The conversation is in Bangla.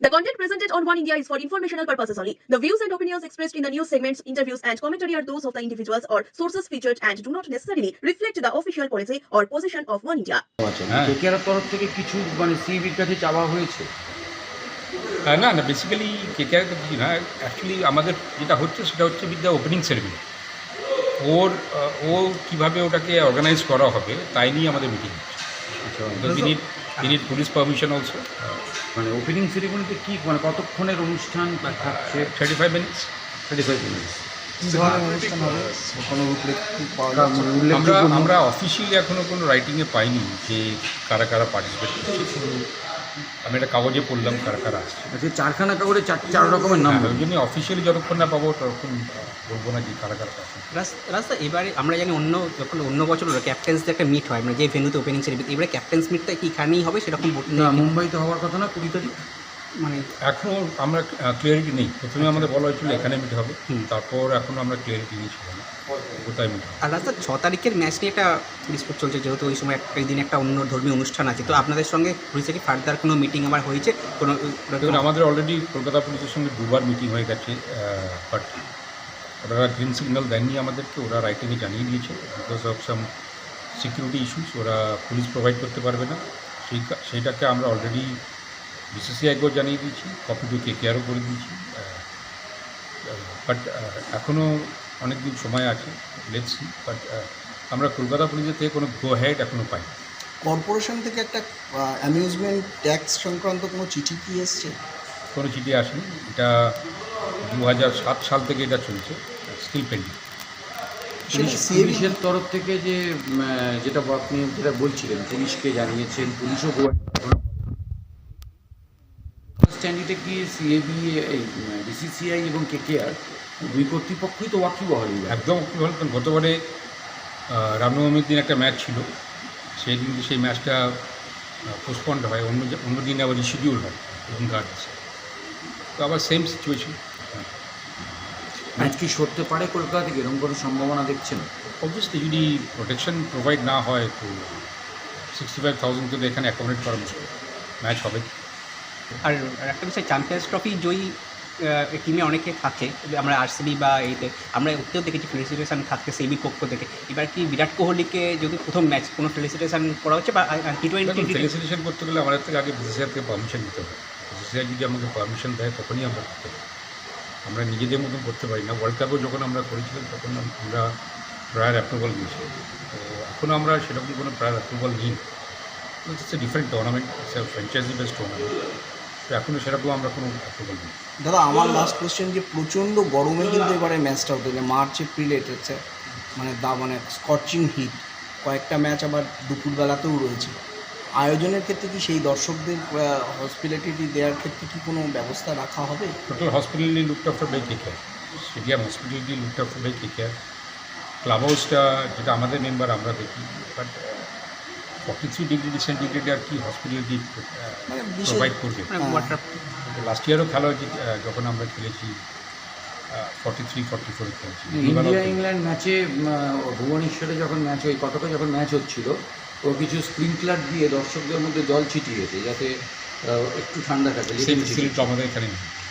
The content presented on One India is for informational purposes only. The views and opinions expressed in the news segments, interviews, and commentary are those of the individuals or sources featured and do not necessarily reflect the official policy or position of One India. KKR তরফ থেকে কিছু সিবির কাছে চাওয়া হয়েছে? না না, বেসিক্যালি কেকেআর তো কিছু না, অ্যাকচুয়ালি আমাদের যেটা হচ্ছে সেটা হচ্ছে উইথ দ্য ওপেনিং সেরেমনি। ও কীভাবে ওটাকে অর্গানাইজ করা হবে তাই নিয়ে আমাদের মিটিং হচ্ছে। We need police permission also. মানে ওপেনিং সেরিমনিতে কি কতক্ষণের অনুষ্ঠান থাকছে? 35 মিনিটস। আমরা অফিসিয়ালি এখনও কোনো রাইটিংয়ে পাইনি যে কারা কারা পার্টিসিপেট করছে। আমি একটা কাগজে পড়লাম কারা কারা আসছে। আচ্ছা, চারখানা কাগজে চার রকমের নাম। ওই জন্য অফিসিয়ালি যতক্ষণ না পাবো ততক্ষণ বলবো না যে কারা কারা পাচ্ছে। রাস্তা এবারে আমরা জানি অন্য বছর ক্যাপ্টেন্সদের একটা মিট হয়, মানে যে ভেন্যুতে ওপেনিং সেরিমনি, এবারে ক্যাপ্টেন্স মিটটা কি এখানেই হবে সেরকম? না, মুম্বাইতে হওয়ার কথা না 20 তারিখ। মানে এখনও আমরা ক্লিয়ারিটি নেই। প্রথমে আমাদের বলা হয়েছিল এখানে মিট হবে, তারপর এখনও আমরা ক্লিয়ারিটি নিয়েছিল না কোথায় মিট হবে। আর রাস্তা 6 তারিখের ম্যাচ নিয়ে একটা ডিসপুট চলছে, যেহেতু ওই সময় এই দিন একটা অন্য ধর্মীয় অনুষ্ঠান আছে, তো আপনাদের সঙ্গে হয়েছে কি ফার্দার কোনো মিটিং আবার হয়েছে? কোনো দেখুন, আমাদের অলরেডি কলকাতা পুলিশের সঙ্গে দুবার মিটিং হয়ে গেছে, বাট ওরা গ্রিন সিগন্যাল দেননি আমাদেরকে। ওরা রাইটিংয়ে জানিয়ে দিয়েছে because of some security issues ওরা পুলিশ প্রোভাইড করতে পারবে না। সেইটাকে আমরা অলরেডি বিসিসিআইকেও জানিয়ে দিয়েছি, কপি টু কেকেআরও করে দিয়েছি। বাট এখনও অনেক দিন সময় আছে, লেটস সি। বাট আমরা কলকাতা পুলিশের থেকে কোনো গো হেড এখনও পাই। কর্পোরেশন থেকে একটা অ্যামিউজমেন্ট ট্যাক্স সংক্রান্ত কোনো চিঠি কি এসছে? কোনো চিঠি আসেনি। এটা 2007 সাল থেকে এটা চলছে, স্টিল পেন্ডিং। পুলিশের তরফ থেকে যেটা আপনি যেটা বলছিলেন, পুলিশকে জানিয়েছেন, পুলিশও স্ট্যান্ডিতে কি সিএবি, বিসিসিআই এবং কেকেআর দুই কর্তৃপক্ষই তো ওয়াকিবহাল? একদম ওয়াকিবহাল। কারণ গতবারে রামনবমীর দিন একটা ম্যাচ ছিল, সেই দিন সেই ম্যাচটা পোস্টপন্ড হয়, অন্য দিনে আবার রিশিডিউল হয় এবং গার্ডস, তো আবার সেম সিচুয়েশন। ম্যাচ কি সরতে পারে কলকাতা থেকে? এরকম কোনো সম্ভাবনা দেখছেন? অবভিয়াসলি যদি প্রোটেকশন প্রোভাইড না হয় তো 65,000 তো এখানে অ্যাকোমোডেট করা মুশকিল। ম্যাচ হবে। আর একটা বিষয়, চ্যাম্পিয়ন্স ট্রফি জয়ী টিমে অনেকে থাকে, আমরা আরসিবি বা এইতে আমরা ওতেও দেখেছি ফেলিসিটেশন থাকতে সেবির পক্ষ থেকে। এবার কি বিরাট কোহলিকে যদি প্রথম ম্যাচ কোনো ফেলিসিটেশন করা হচ্ছে বা T20 ফেলিসিটেশন করতে গেলে আমাদের থেকে আগে বিসিসিআই থেকে পারমিশন নিতে হবে। বিসিসিআই যদি আমাকে পারমিশন দেয় তখনই আমরা করতে পারি, আমরা নিজেদের মতন করতে পারি না। ওয়ার্ল্ড কাপেও যখন আমরা করেছিলাম তখন আমরা প্রায়ার অ্যাপ্রুভাল নিয়েছিলাম, তো এখনও আমরা সেরকম কোনো প্রায়ার অ্যাপ্রুভাল নিই। It's a different tournament, it's a franchise based tournament, তো এখনও সেরকম আমরা কোনো অ্যাপ্রুভাল নিই। দাদা, আমার লাস্ট কোয়েশ্চেন, যে প্রচণ্ড গরমে কিন্তু এবারে ম্যাচটা হতো, যে মার্চ এপ্রিলে এসেছে, মানে স্কচিং হিট, কয়েকটা ম্যাচ আবার দুপুরবেলাতেও রয়েছে। আয়োজনের ক্ষেত্রে কি সেই দর্শকদের হসপিটালিটি দেওয়ার ক্ষেত্রে কি কোনো ব্যবস্থা রাখা হবে? Total hospitality looked after by KKR, stadium hospitality looked after by KKR. Club হাউসটা যেটা আমাদের মেম্বার আমরা দেখি, বাট 43 ডিগ্রি সেন্টিগ্রেড আর কি হসপিটালিটি প্রোভাইড করবে? লাস্ট ইয়ারও খেলা হয়েছে, যখন আমরা খেলেছি 43-44 খেলেছি। ইন্ডিয়া ইংল্যান্ড ম্যাচে ভুবনেশ্বরে যখন ম্যাচ ওই কটকে যখন ম্যাচ হচ্ছিল, ও কিছু স্প্রিংকলার দিয়ে দর্শকদের মধ্যে জল ছিটিয়েছে যাতে একটু ঠান্ডা থাকে। সেই ফেসিলিটি আমাদের এখানে নেই।